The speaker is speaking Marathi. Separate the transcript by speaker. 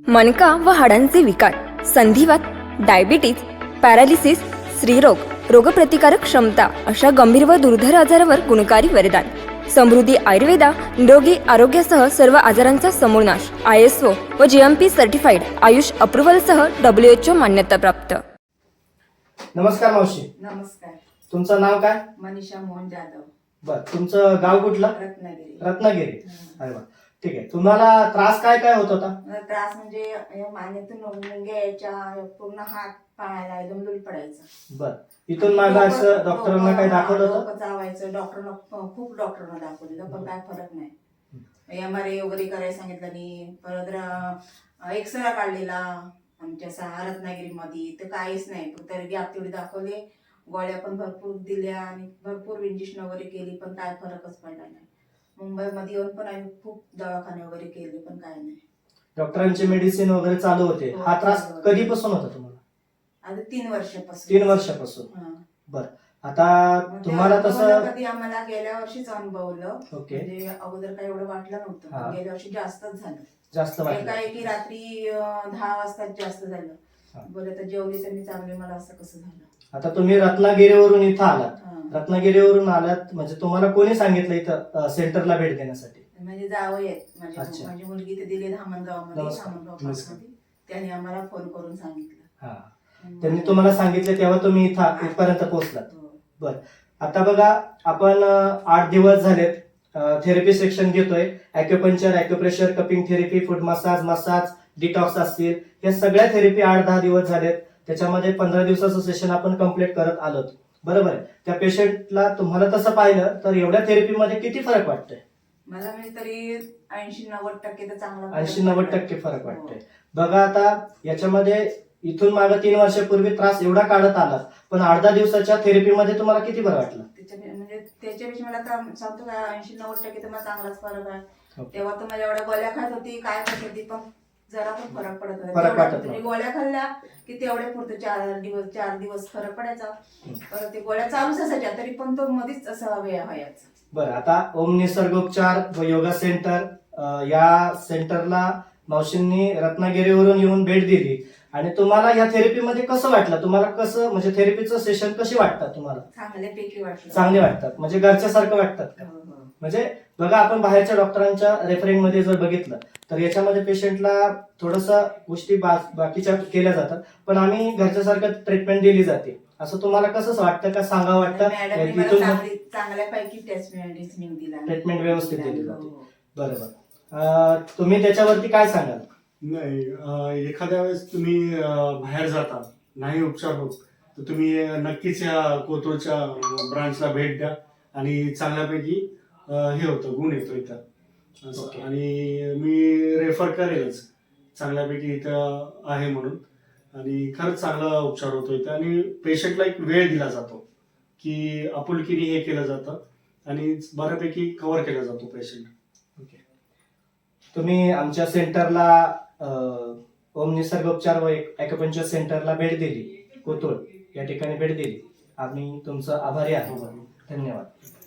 Speaker 1: मणका व हाडांचे विकार, संधिवात, डायबिटीज, पॅरालिसिस, स्त्रीरोग, रोगप्रतिकारक क्षमता अशा गंभीर व दुर्धर आजारावर गुणकारी वरदान. समृद्धी आयुर्वेदा निरोगी आरोग्यासह सर्व आजारांचा समूळ नाश. ISO व GMP सर्टिफाईड आयुष अप्रुव्हलसह WHO मान्यता प्राप्त.
Speaker 2: नमस्कार मावशी.
Speaker 3: नमस्कार.
Speaker 2: तुमचं नाव काय?
Speaker 3: मनीषा मोहन जाधव.
Speaker 2: बर, तुमचं गाव कुठलं?
Speaker 3: रत्नागिरी.
Speaker 2: रत्नागिरी. अरे वा, ठीक आहे. तुम्हाला त्रास काय काय होत होता?
Speaker 3: मला त्रास म्हणजे या मानेतून मुंग्या यायच्या, पूर्ण हात पायाला एकदम लूल पडायचं.
Speaker 2: बर, इथून मागं असं डॉक्टरांना काय दाखवलं होतं?
Speaker 3: डोकं चावायचं. खूप डॉक्टरांना दाखवलं पण काय फरक नाही. MRI वगैरे करायला सांगितलं नाही. परत एक्सरा काढलेला आमच्या रत्नागिरीमध्ये, तर काहीच नाही. तरी गॅप तेवढी दाखवले, गोळ्या पण भरपूर दिल्या आणि भरपूर इंजेक्शन वगैरे केली, पण काय फरकच पडला नाही. मुंबईमध्ये येऊन पण आम्ही खूप दवाखाने वगैरे केले, पण काय नाही.
Speaker 2: डॉक्टरांचे मेडिसिन वगैरे चालू होते.
Speaker 3: हो,
Speaker 2: हा त्रास
Speaker 3: चालू होते.
Speaker 2: कधीपासून होता तुम्हाला?
Speaker 3: आता 3 वर्षापासून.
Speaker 2: 3 वर्षापासून.
Speaker 3: हा.
Speaker 2: बर, आता तुम्हाला तसं
Speaker 3: कधी आम्हाला गेल्या वर्षीच अनुभवलं.
Speaker 2: ओके.
Speaker 3: म्हणजे अगोदर काही एवढं वाटलं नव्हतं,
Speaker 2: हा.
Speaker 3: पण गेल्या वर्षी जास्तच झालं.
Speaker 2: जास्त वाटलं?
Speaker 3: एकाएकी रात्री 10 वाजता जास्त झालं.
Speaker 2: हा.
Speaker 3: बरं, तर जेवली तर मी चांगली, मला असं कसं झालं.
Speaker 2: आता तुम्ही रत्नागिरीवरून इथं आलात.
Speaker 3: हा.
Speaker 2: रत्नागिरीवरून आलात म्हणजे तुम्हाला कोणी सांगितलं इथं सेंटरला भेट देण्यासाठी?
Speaker 3: म्हणजे जावई आहेत
Speaker 2: अच्छा.
Speaker 3: माझी मुलगी ते दिली धामणगावमध्ये.
Speaker 2: नमस्कार.
Speaker 3: धामणगाव त्यांनी आम्हाला फोन करून सांगितलं.
Speaker 2: हा, त्यांनी तुम्हाला सांगितलं तेव्हा तुम्ही इथं इथपर्यंत पोहोचलात.
Speaker 3: हो.
Speaker 2: बर, आता बघा, आपण 8 दिवस झालेत थेरपी सेक्शन घेतोय. Acupuncture, acupressure, cupping therapy, food massage, detox असतील, या सगळ्या थेरपी 8-10 दिवस झालेत. त्याच्यामध्ये 15 दिवसाचं सेशन आपण कम्प्लीट करत आलोत. बरोबर आहे. त्या पेशंटला तुम्हाला तसं पाहिलं तर एवढ्या थेरपीमध्ये किती फरक वाटतोय?
Speaker 3: मला म्हणजे तरी 80-90% तर चांगला
Speaker 2: 80-90% फरक वाटतोय. बघा, आता याच्यामध्ये इथून मागे 3 वर्षापूर्वी त्रास एवढा काढत आलात, पण 8-10 दिवसाच्या थेरपीमध्ये तुम्हाला किती बरं वाटलं?
Speaker 3: त्याच्यापेक्षा मला तर सांगतो का 80-90% तर मला चांगलाच फरक आहे.
Speaker 2: ओके.
Speaker 3: तेव्हा तर माझ्या एवढ्या गोळ्या खात होती, काय खात होती, पण जरा पण फरक पडत
Speaker 2: फरक वाटत
Speaker 3: नव्हता.
Speaker 2: नव्हता.
Speaker 3: गोळ्या खाल्ल्या की तेवढे पुरते 4 दिवस फरक पडायचा. परत ते गोळ्या चालूच असायच्या, तरी पण तो मध्येच असा व्हायचा.
Speaker 2: बरं, आता ओम निसर्गोपचार व योगा सेंटर, या सेंटरला मावशींनी रत्नागिरीवरून येऊन भेट दिली आणि तुम्हाला या थेरपीमध्ये कसं वाटलं? तुम्हाला कसं, म्हणजे थेरपीचं सेशन कशी वाटतात तुम्हाला?
Speaker 3: चांगल्यापैकी वाटलं.
Speaker 2: चांगले वाटतात म्हणजे घरच्यासारखं वाटतात का?
Speaker 3: हो, हो.
Speaker 2: म्हणजे बघा, आपण बाहेरच्या डॉक्टरांच्या रेफरिंग मध्ये जर बघितलं तर याच्यामध्ये पेशंटला थोडस गोष्टी बाकीच्या केल्या जातात, पण आम्ही घरच्यासारखं ट्रीटमेंट दिली जाते. असं तुम्हाला कसं वाटतं का? सांगावं वाटतं?
Speaker 3: मॅडमने मला चांगल्यापैकी
Speaker 2: ट्रीटमेंट व्यवस्थित दिली जाते.
Speaker 3: हो.
Speaker 2: बरोबर. तुम्ही त्याच्यावरती काय सांगाल?
Speaker 4: नाही, एखाद्या वेळेस तुम्ही बाहेर जाता, नाही उपचार होत, तर तुम्ही नक्कीच या कोथरूडच्या ब्रांचला भेट द्या आणि चांगल्यापैकी हे होतं, गुण येतो इथं असं.
Speaker 2: ओके.
Speaker 4: आणि मी रेफर करेलच, चांगल्यापैकी इथं आहे म्हणून. आणि खरंच चांगला उपचार होतो इथं आणि पेशंटला एक वेळ दिला जातो की आपुलकीने हे केलं जातं आणि बऱ्यापैकी कव्हर केला जातो पेशंट.
Speaker 2: तुम्ही आमच्या सेंटरला ओम निसर्गोपचार व ॲक्युपंक्चर सेंटरला भेट दिली, कोथरूड या ठिकाणी भेट दिली. आम्ही तुमचं आभारी आहोत. धन्यवाद.